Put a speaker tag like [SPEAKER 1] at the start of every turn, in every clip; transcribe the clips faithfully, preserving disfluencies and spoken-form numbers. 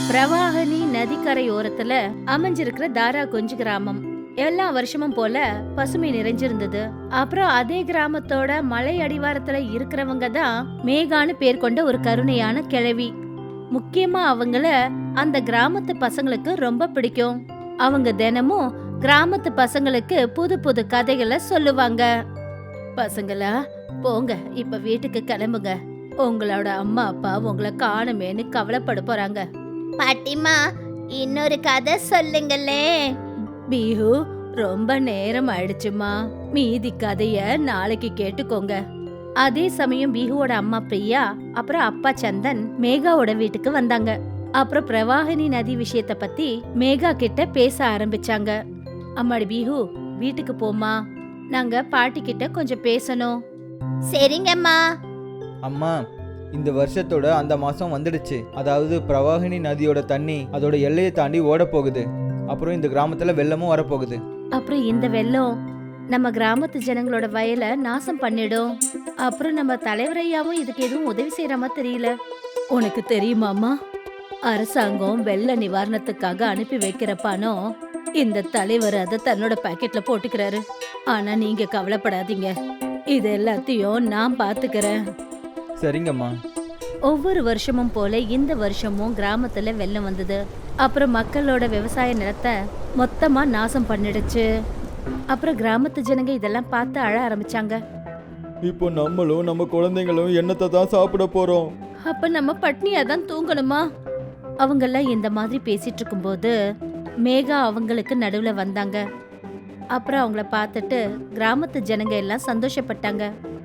[SPEAKER 1] பிரவாகனி நதிக்கரை ஓரத்துல அமைஞ்சிருக்கிற தாரா கொஞ்சு கிராமம் எல்லா வருஷமும் போல பசுமை நிறைஞ்சிருந்தது. அப்புறம் அதே கிராமத்தோட மலை அடிவாரத்துல இருக்கிறவங்க தான் மேகான்னு பேர் கொண்ட ஒரு கருணையான கிழவி. முக்கியமா அவங்கள அந்த கிராமத்து பசங்களுக்கு ரொம்ப பிடிக்கும். அவங்க தினமும் கிராமத்து பசங்களுக்கு புது புது கதைகளை சொல்லுவாங்க. பசங்களா, போங்க, இப்ப வீட்டுக்கு கிளம்புங்க. உங்களோட அம்மா அப்பா உங்களை காணுமேன்னு கவலைப்பட போறாங்க.
[SPEAKER 2] பாட்டிமா, இன்னொரு கதை சொல்லுங்களே.
[SPEAKER 1] பீஹு, ரொம்ப நேரம் ஆயிடுச்சுமா, மீதி கதைய நாளைக்கு கேட்டுக்கோங்க. அதே சமயம் பீஹுவோட அம்மா பிரியா அப்புறம் அப்பா சந்தன் மேகாவோட வீட்டுக்கு வந்தாங்க. அப்புறம் பிரவாகினி நதி விஷயத்த பத்தி மேகா கிட்ட பேச ஆரம்பிச்சாங்க. அம்மாடி பீஹு, வீட்டுக்கு போமா, நாங்க பாட்டி கிட்ட கொஞ்சம் பேசணும்.
[SPEAKER 2] சரிங்கம்மா.
[SPEAKER 3] அம்மா, இந்த வருஷத்தோட அந்த மாசம் வந்துடுச்சு. அதாவது பிரவாகினி நதியோட தண்ணி அதோட எல்லையை தாண்டி ஓட போகுது. அப்புறம் இந்த கிராமத்துல வெள்ளமும் வரப்போகுது.
[SPEAKER 1] அப்புறம் இந்த வெள்ளம் நம்ம கிராமத்து ஜனங்களோட வயலை நாசம் பண்ணிடும். அப்புறம் நம்ம தலைவரையாவும் இதுக்கு எதுவும் உதவி செய்யற மாதிரி தெரியல. உனக்கு தெரியுமாமா, அரசாங்கம் வெள்ள நிவாரணத்துக்காக அனுப்பி வைக்கிற பணம் இந்த தலைவர் அதை தன்னோட பாக்கெட்ல போட்டுக்கிறாரு. ஆனா நீங்க கவலைப்படாதீங்க, இது எல்லாத்தையும் நான் பாத்துக்கிறேன்.
[SPEAKER 3] சரிங்கம்மா.
[SPEAKER 1] ஒவ்வொரு வருஷமும் போல இந்த வருஷமும் கிராமத்துல வெள்ளம் வந்தது. அப்புறம் மக்களோட விவசாய நிலத்தை மொத்தமா நாசம் பண்ணிடுச்சு. அப்புறம் கிராமத்து ஜனங்க இதெல்லாம் பார்த்து அழ ஆரம்பிச்சாங்க.
[SPEAKER 3] இப்போ நம்மளும் நம்ம குழந்தைங்களும் என்னத்தை தான் சாப்பிட போறோம்?
[SPEAKER 1] அப்ப நம்ம பட்னியா தான் தூங்கணுமா? அவங்கெல்லாம் இந்த மாதிரி பேசிட்டு இருக்கும்போது மேகா அவங்களுக்கு நடுவுல வந்தாங்க. அப்புறம் அவங்கள பார்த்துட்டு கிராமத்து ஜனங்க எல்லாம் சந்தோஷப்பட்டாங்க.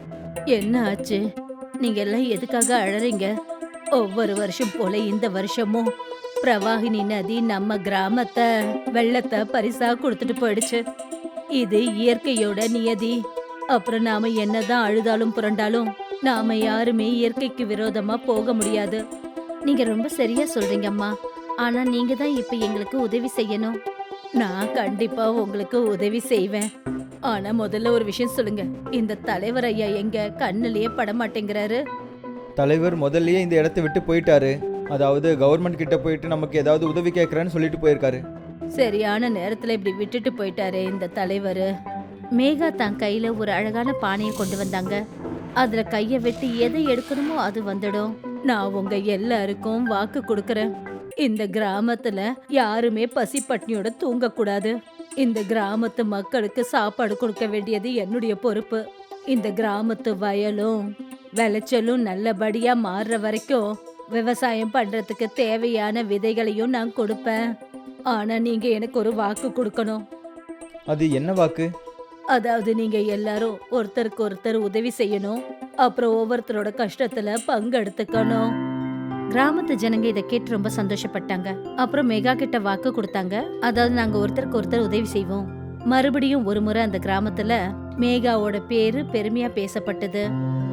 [SPEAKER 1] என்ன ஆச்சு? நீங்க எல்லாம் எதுக்காக அழறீங்க? ஒவ்வொரு வருஷம் போல இந்த வருஷமும் பிரவாகினி நதி நம்ம கிராமத்தை வெள்ளத்தை பரிசா கொடுத்துட்டு போயிடுச்சு. இது இயற்கையோட நியதி. அப்புறம் நாம என்னதான் அழுதாலும் புரண்டாலும் நாம யாருமே இயற்கைக்கு விரோதமா போக முடியாது. நீங்க ரொம்ப சரியா சொல்றீங்கம்மா. ஆனா நீங்க தான் இப்ப எங்களுக்கு உதவி செய்யணும். நான் கண்டிப்பா உங்களுக்கு உதவி செய்வேன். ஆனா முதல்ல ஒரு விஷயம் சொல்லுங்க, இந்த தலைவர் ஐயா எங்க கண்ணுலயே பட மாட்டேங்கிறாரு?
[SPEAKER 3] தலைவர் முதல்லயே இந்த இடத்தை விட்டு போயிட்டாரு. அதாவது கவர்மெண்ட் கிட்ட போயிட்டு நமக்கு ஏதாவது உதவி கேட்கறேன்னு சொல்லிட்டு போயிருக்காரு.
[SPEAKER 1] சரியான நேரத்துல இப்படி விட்டுட்டு போயிட்டாரே இந்த தலைவர். மேகா தன் கையில ஒரு அழகான பானையை கொண்டு வந்தாங்க. அதுல கைய வெட்டி எதை எடுக்கணுமோ அது வந்துடும். நான் உங்க எல்லாருக்கும் வாக்கு கொடுக்கறேன், இந்த கிராமத்துல யாருமே பசி பட்னியோட தூங்க கூடாது. இந்த கிராமத்து மக்களுக்கு சாப்பாடு கொடுக்க வேண்டியது என்னுடைய பொறுப்பு. இந்த கிராமத்து வயலும் விளைச்சலும் நல்லபடியா மாறுற வரைக்கும் விவசாயம் பண்றதுக்கு தேவையான விதைகளையும் நான் கொடுப்பேன். ஆனா நீங்க எனக்கு ஒரு வாக்கு கொடுக்கணும்.
[SPEAKER 3] அது என்ன வாக்கு?
[SPEAKER 1] அதாவது நீங்க எல்லாரும் ஒருத்தருக்கு ஒருத்தர் உதவி செய்யணும். அப்புறம் ஒவ்வொருத்தரோட கஷ்டத்துல பங்கெடுத்துக்கணும். கிராமத்து ஜனங்க இதை கேட்டு ரொம்ப சந்தோஷப்பட்டாங்க. அப்புறம் மெகா கிட்ட வாக்கு கொடுத்தாங்க. அதாவது நாங்க ஒருத்தருக்கு ஒருத்தர் உதவி செய்வோம். மறுபடியும் ஒரு முறை அந்த கிராமத்துல மேகாவோட பேரு பெருமையா பேசப்பட்டது.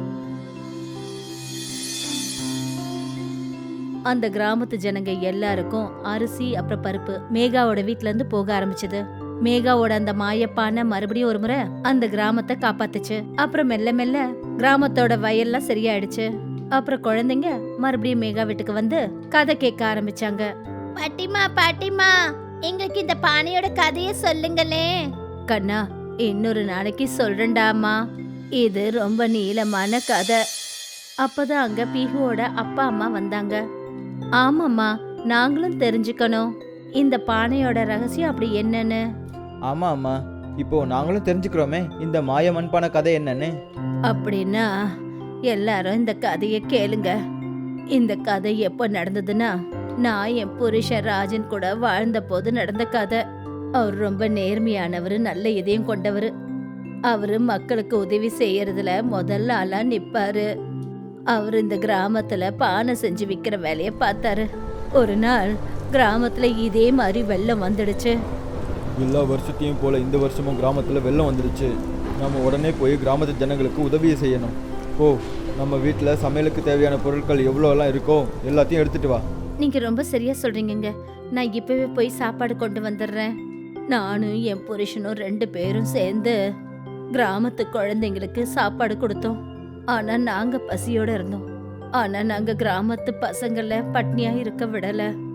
[SPEAKER 1] அந்த கிராமத்து ஜனங்க எல்லாருக்கும் அரிசி அப்புறம் பருப்பு மேகாவோட வீட்ல இருந்து போக ஆரம்பிச்சது. மேகாவோட அந்த மாயப்பான மறுபடியும் ஒரு முறை அந்த கிராமத்தை காப்பாத்துச்சு. அப்புறம் மெல்ல மெல்ல கிராமத்தோட வயல்லாம் சரியாயிடுச்சு. அப்புறம் குழந்தைங்க மறுபடியும் மேகா வீட்டுக்கு வந்து கதை கேட்க ஆரம்பிச்சாங்க.
[SPEAKER 2] பாட்டிமா, பாட்டிமா, எங்களுக்கு இந்த பானையோட கதைய சொல்லுங்களே.
[SPEAKER 1] கண்ணா, இன்னொரு நாளைக்கு சொல்றேன்டாமா, இது ரொம்ப நீளமான கதை. அப்பதான் அங்க பீஹுவோட அப்பா அம்மா வந்தாங்க. ஆமாம்மா, நாங்களும் தெரிஞ்சுக்கணும் இந்த பானையோட ரகசியம் அப்படி என்னன்னு.
[SPEAKER 3] ஆமா அம்மா, இப்போ நாங்களும் தெரிஞ்சுக்கிறோமே இந்த மாய மண்பான கதை என்னன்னு.
[SPEAKER 1] அப்படின்னா எல்லாரும் இந்த கதையை கேளுங்க. இந்த கதை எப்போ நடந்ததுன்னா, நான் என் புருஷன் ராஜன் கூட வாழ்ந்த போது நடந்த கதை. அவர் ரொம்ப நேர்மையானவர், நல்ல இதயம் கொண்டவர். அவரு மக்களுக்கு உதவி செய்யறதுல முதல்ல ஆளா நிப்பாரு. அவர் இந்த கிராமத்துல பானை செஞ்சு விற்கிற வேலையை பார்த்தாரு. ஒரு நாள் கிராமத்துல இதே மாதிரி வெள்ளம் வந்துடுச்சு.
[SPEAKER 3] எல்லா வருஷத்தையும் போல இந்த வருஷமும் கிராமத்துல வெள்ளம் வந்துடுச்சு. நம்ம உடனே போய் கிராமத்து ஜனங்களுக்கு உதவி செய்யணும். ஓ, நம்ம வீட்டில் சமையலுக்கு தேவையான பொருட்கள் எவ்வளோலாம் இருக்கோ எல்லாத்தையும் எடுத்துட்டு வா.
[SPEAKER 1] நீங்க ரொம்ப சரியா சொல்றீங்க. நான் இப்பவே போய் சாப்பாடு கொண்டு வந்துடுறேன். நானும் என் புருஷனும் ரெண்டு பேரும் சேர்ந்து கிராமத்து குழந்தைங்களுக்கு சாப்பாடு கொடுத்தோம். ஆனா நாங்க பசியோட இருந்தோம். ஆனா நாங்க கிராமத்து பசங்கள பட்னியா இருக்க விடல.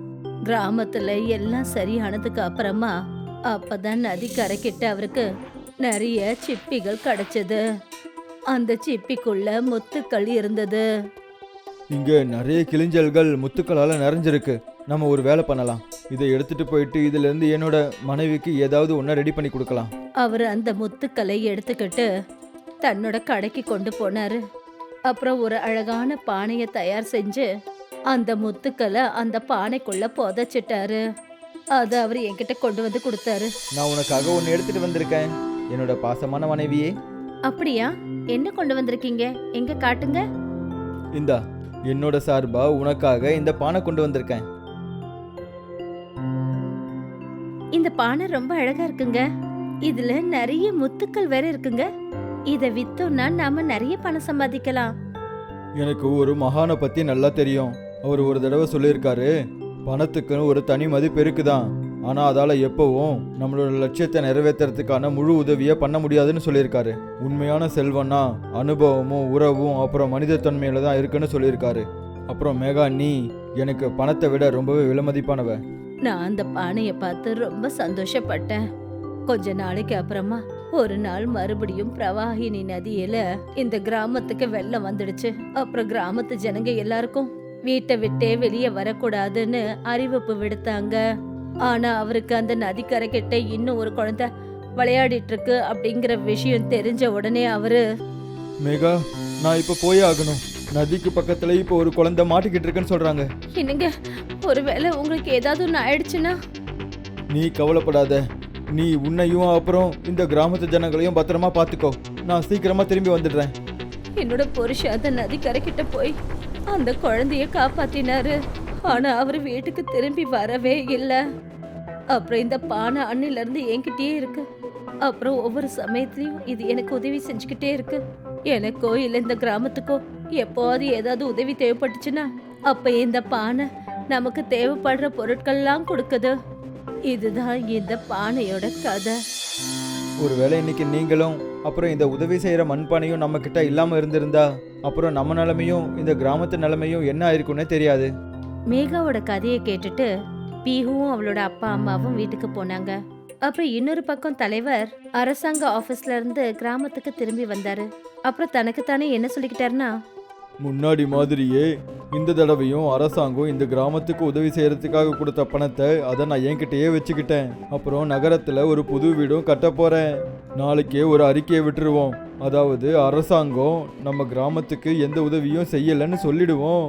[SPEAKER 1] கிராமத்துல எல்லாம் சரியானதுக்கு அப்புறமா அப்பதான் நதி கரைக்கிட்ட அவருக்கு நிறைய சிப்பிகள் கிடைச்சது. அந்த சிப்பிக்குள்ள முத்துக்கள் இருந்தது.
[SPEAKER 3] இங்க நிறைய கிளிஞ்சல்கள் முத்துக்களால நிறைஞ்சிருக்கு. நம்ம ஒரு வேலை பண்ணலாம். இதை எடுத்துட்டு போயிட்டு இதுல இருந்து என்னோட மனைவிக்கு ஏதாவது ஒன்றை ரெடி பண்ணி கொடுக்கலாம்.
[SPEAKER 1] அவர் அந்த முத்துக்களை எடுத்துக்கிட்டு தன்னோட கடைக்கு கொண்டு போனாரு. அப்புறம் ஒரு அழகான பானையை தயார் செஞ்சு அந்த முத்துக்களை அந்த பானைக்குள்ள புதைச்சிட்டாரு. அதை அவர் என்கிட்ட கொண்டு வந்து கொடுத்தாரு.
[SPEAKER 3] நான் உனக்காக ஒன்று எடுத்துட்டு வந்திருக்கேன் என்னோட பாசமான மனைவியே.
[SPEAKER 1] அப்படியா? என்ன கொண்டு வந்திருக்கீங்க? எங்க காட்டுங்க.
[SPEAKER 3] இந்தா, என்னோட சார்பா உனக்காக இந்த பானை கொண்டு வந்திருக்கேன்.
[SPEAKER 1] இந்த பானை ரொம்ப அழகா இருக்குங்க. இதுல நிறைய முத்துக்கள் வேற இருக்குங்க. இத வித்தோம்னா நாம நிறைய பணம் சம்பாதிக்கலாம்.
[SPEAKER 3] எனக்கு ஒரு மகானை பத்தி நல்லா தெரியும். அவர் ஒரு தடவை சொல்லியிருக்காரு, பணத்துக்குன்னு ஒரு தனி மதிப்பு இருக்குதான், ஆனா அதால எப்பவும் நம்மளோட லட்சியத்தை நிறைவேற்றுறதுக்கான முழு உதவியை பண்ண முடியாதுன்னு சொல்லியிருக்காரு. உண்மையான செல்வம்னா அனுபவமும் உறவும் அப்புறம் மனிதத்தன்மையில தான் இருக்குன்னு சொல்லியிருக்காரு. அப்புறம் மேகா, நீ எனக்கு பணத்தை விட ரொம்பவே விலைமதிப்பானவ.
[SPEAKER 1] நான் அந்த பானையை பார்த்து ரொம்ப சந்தோஷப்பட்டேன். கொஞ்ச நாளைக்கு அப்புறமா ஒரு நாள் மறுபடியும் பிரவாகினி நதியில இந்த கிராமத்துக்கு வெள்ளம் வந்துடுச்சு. அப்புறம் கிராமத்து ஜனங்க எல்லாருக்கும் வீட்டை விட்டே வெளியே வரக்கூடாதுன்னு அறிவிப்பு விடுத்தாங்க. ஆனா அவருக்கு அந்த நதிக்கரை கிட்ட இன்னும் ஒரு குழந்தை விளையாடிட்டு இருக்கு அப்படிங்கிற விஷயம் தெரிஞ்ச உடனே அவரு,
[SPEAKER 3] மேகா, நான் இப்ப போயே ஆகணும். நதிக்கு பக்கத்துல இப்ப ஒரு குழந்தை மாட்டிக்கிட்டு இருக்குன்னு சொல்றாங்க.
[SPEAKER 1] என்னங்க, ஒருவேளை உங்களுக்கு ஏதாவது ஒன்று ஆயிடுச்சுன்னா?
[SPEAKER 3] நீ கவலைப்படாத. நீ உன்னையும் அப்புறம் இந்த கிராமத்து ஜனங்களையும் பத்திரமா பாத்துக்கோ. நான் சீக்கிரமா திரும்பி வந்துடுறேன்.
[SPEAKER 1] என்னோட புருஷன் அந்த நதிக்கரை கிட்ட போய் அந்த குழந்தைய காப்பாத்தினாரு. ஆனா அவரு வீட்டுக்கு திரும்பி வரவே இல்லை. அப்புறம் இந்த பானை அன்னில இருந்து என்கிட்டயே இருக்கு. அப்புறம் ஒவ்வொரு சமயத்திலயும் இது எனக்கு உதவி செஞ்சுக்கிட்டே இருக்கு. எனக்கோ இல்லை இந்த கிராமத்துக்கோ எப்போது ஏதாவது உதவி தேவைப்பட்டுச்சுன்னா அப்ப இந்த பானை நமக்கு தேவைப்படுற பொருட்கள்லாம் கொடுக்குது. இதுதான் இந்த பானையோட கதை.
[SPEAKER 3] ஒருவேளை இன்னைக்கு நீங்களும் அப்புறம் இந்த உதவி செய்யற மண்பானையும் நம்ம கிட்ட இல்லாம இருந்திருந்தா அப்புறம் நம்ம நிலைமையும் இந்த கிராமத்து நிலைமையும் என்ன ஆயிருக்குன்னே தெரியாது.
[SPEAKER 1] மேகாவோட கதையை கேட்டுட்டு பீஹுவும் அவளோட அப்பா அம்மாவும் வீட்டுக்கு போனாங்க. அப்புறம் இன்னொரு பக்கம் தலைவர் அரசாங்க ஆபீஸ்ல இருந்து கிராமத்துக்கு திரும்பி வந்தாரு. அப்புறம் தனக்குத்தானே என்ன சொல்லிக்கிட்டாருன்னா,
[SPEAKER 3] முன்னாடி மாதிரியே இந்த தடவையும் அரசாங்கம் இந்த கிராமத்துக்கு உதவி செய்யறதுக்காக கொடுத்த பணத்தை அதை நான் என்கிட்டயே வச்சுக்கிட்டேன். அப்புறம் நகரத்துல ஒரு புது வீடும் கட்ட போறேன். நாளைக்கே ஒரு அறிக்கையை விட்டுருவோம். அதாவது அரசாங்கம் நம்ம கிராமத்துக்கு எந்த உதவியும் செய்யலைன்னு சொல்லிடுவோம்.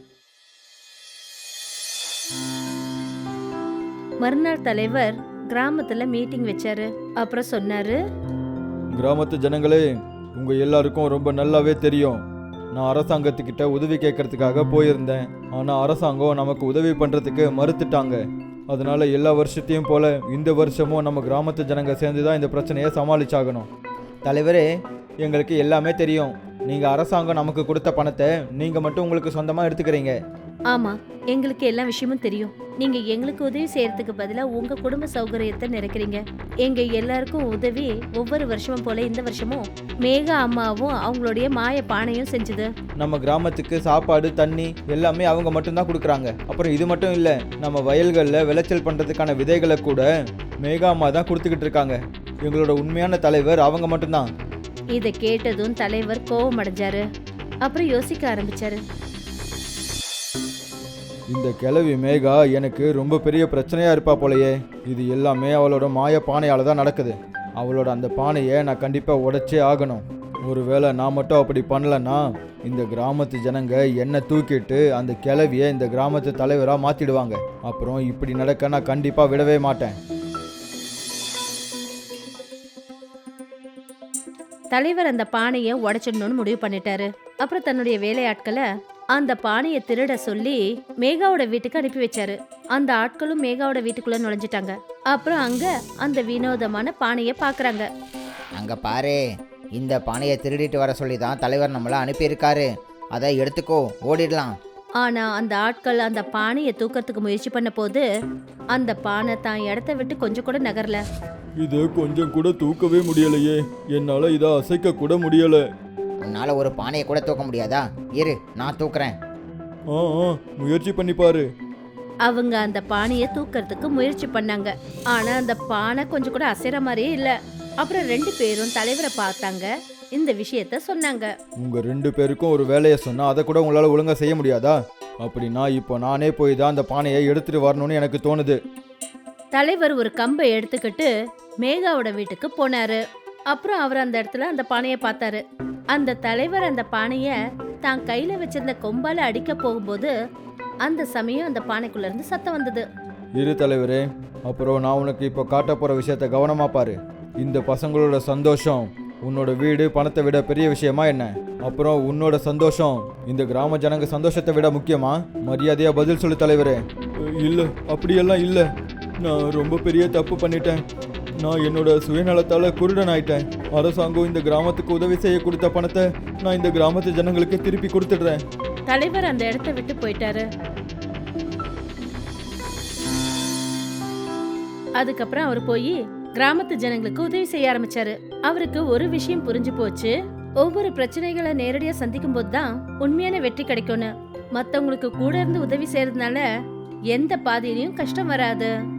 [SPEAKER 1] மறுநாள் தலைவர் கிராமத்துல மீட்டிங் வச்சாரு. அப்புறம் சொன்னாரு,
[SPEAKER 3] கிராமத்து ஜனங்களே, உங்க எல்லாருக்கும் ரொம்ப நல்லாவே தெரியும், நான் அரசாங்கத்துக்கிட்ட உதவி கேட்கறதுக்காக போயிருந்தேன். ஆனால் அரசாங்கம் நமக்கு உதவி பண்ணுறதுக்கு மறுத்துட்டாங்க. அதனால எல்லா வருஷத்தையும் போல இந்த வருஷமும் நம்ம கிராமத்து ஜனங்க சேர்ந்து தான் இந்த பிரச்சனையை சமாளிச்சாகணும். தலைவரே, எங்களுக்கு எல்லாமே தெரியும். நீங்கள் அரசாங்கம் நமக்கு கொடுத்த பணத்தை நீங்கள் மட்டும் உங்களுக்கு சொந்தமாக எடுத்துக்கிறீங்க.
[SPEAKER 1] ஆமா, எங்களுக்கு எல்லா விஷயமும் தெரியும். நீங்க எங்களுக்கு உதவி செய்யறதுக்கு பதிலா உங்க குடும்ப சௌகரியத்தை நிறைக்கிறீங்க. எங்க எல்லாருக்கும் உதவி ஒவ்வொரு வருஷமும் போல இந்த வருஷமும் மேகா அம்மாவும் அவங்களுடைய மாய பானையும் செஞ்சது.
[SPEAKER 3] நம்ம கிராமத்துக்கு சாப்பாடு தண்ணி எல்லாமே அவங்க மட்டும்தான் கொடுக்குறாங்க. அப்புறம் இது மட்டும் இல்லை, நம்ம வயல்களில் விளைச்சல் பண்ணுறதுக்கான விதைகளை கூட மேகா அம்மா தான் கொடுத்துக்கிட்டு இருக்காங்க. எங்களோட உண்மையான தலைவர் அவங்க மட்டும்தான்.
[SPEAKER 1] இதை கேட்டதும் தலைவர் கோபம் அடைஞ்சாரு. அப்புறம் யோசிக்க ஆரம்பிச்சாரு.
[SPEAKER 3] இந்த கிழவி மேகா எனக்கு ரொம்ப பெரிய பிரச்சனையா இருப்பா போலயே. இது எல்லாமே அவளோட மாய பானையால தான் நடக்குது. அவளோட அந்த பானையை நான் கண்டிப்பா உடைச்சே ஆகணும். ஒருவேளை நான் மட்டும் அப்படி பண்ணலன்னா இந்த கிராமத்து ஜனங்க என்னை தூக்கிட்டு அந்த கிழவியை இந்த கிராமத்து தலைவராக மாத்திடுவாங்க. அப்புறம் இப்படி நடக்க நான் கண்டிப்பா விடவே மாட்டேன்.
[SPEAKER 1] தலைவர் அந்த பானையை உடைச்சிடணும்னு முடிவு பண்ணிட்டாரு. அப்புறம் தன்னுடைய வேலையாட்களை அந்த பானையை திருட சொல்லி மேகாவோட வீட்டுக்கு அனுப்பி வச்சாரு. அந்த ஆட்களும் மேகாவோட வீட்டுக்குள்ள நுழைஞ்சிட்டாங்க. அப்புறம் அங்க அந்த வினோதமான பானையை பாக்குறாங்க.
[SPEAKER 4] அங்க பாரு, இந்த பானையை திருடிட்டு வர சொல்லி தான் தலைவர் நம்மள அனுப்பியிருக்காரு. அதை எடுத்துக்கோ, ஓடிடலாம்.
[SPEAKER 1] ஆனா அந்த ஆட்கள் அந்த பானையை தூக்கறதுக்கு முயற்சி பண்ண போது அந்த பானை தான் இடத்த விட்டு கொஞ்சம் கூட நகரல.
[SPEAKER 3] இதை கொஞ்சம் கூட தூக்கவே முடியலையே, என்னால இதை அசைக்க கூட முடியல.
[SPEAKER 4] உன்னால ஒரு பானையை கூட தூக்க முடியாதா? இரு, நான் தூக்குறேன்.
[SPEAKER 3] ஆ ஆ, முயற்சி பண்ணி பாரு.
[SPEAKER 1] அவங்க அந்த பானையை தூக்கறதுக்கு முயற்சி பண்ணாங்க. ஆனா அந்த பானை கொஞ்சம் கூட அசைற மாதிரியே இல்ல. அப்புறம் ரெண்டு பேரும் தலைவரை பார்த்தாங்க, இந்த விஷயத்த சொன்னாங்க.
[SPEAKER 3] உங்க ரெண்டு பேருக்கும் ஒரு வேலையை சொன்னா அதை கூட உங்களால ஒழுங்கா செய்ய முடியாதா? அப்படின்னா இப்போ நானே போய் தான் அந்த பானையை எடுத்துட்டு வரணும்னு எனக்கு தோணுது.
[SPEAKER 1] தலைவர் ஒரு கம்பை எடுத்துக்கிட்டு மேகாவோட வீட்டுக்கு போனாரு. அப்புறம் அவர் அந்த இடத்துல அந்த பானையை பார்த்தாரு. அந்த தலைவர் அந்த பானைய தான் கையில வச்சிருந்த கொம்பால அடிக்க போகும்போது அந்த சமயம் அந்த பானைக்குள்ள இருந்து சத்தம் வந்தது.
[SPEAKER 3] இரு தலைவரே, அப்புறம் நான் உனக்கு இப்போ காட்ட போற விஷயத்த கவனமா பாரு. இந்த பசங்களோட சந்தோஷம் உன்னோட வீடு பணத்தை விட பெரிய விஷயமா என்ன? அப்புறம் உன்னோட சந்தோஷம் இந்த கிராம ஜனங்க சந்தோஷத்தை விட முக்கியமா? மரியாதையா பதில் சொல்லு தலைவரே. இல்லை, அப்படியெல்லாம் இல்லை. நான் ரொம்ப பெரிய தப்பு பண்ணிட்டேன். நான் என்னோட சுயநலத்தால குருடன் ஆயிட்டேன். அரசாங்கம் இந்த கிராமத்துக்கு உதவி செய்ய கொடுத்த பணத்தை நான் இந்த கிராமத்து ஜனங்களுக்கு திருப்பி கொடுத்துடுறேன்.
[SPEAKER 1] தலைவர் அந்த இடத்த விட்டு போயிட்டாரு. அதுக்கப்புறம் அவர் போய் கிராமத்து ஜனங்களுக்கு உதவி செய்ய ஆரம்பிச்சாரு. அவருக்கு ஒரு விஷயம் புரிஞ்சு போச்சு, ஒவ்வொரு பிரச்சனைகளை நேரடியா சந்திக்கும் போதுதான் உண்மையான வெற்றி கிடைக்கும்னு. மத்தவங்களுக்கு கூட இருந்து உதவி செய்யறதுனால எந்த பாதையிலயும் கஷ்டம் வராது.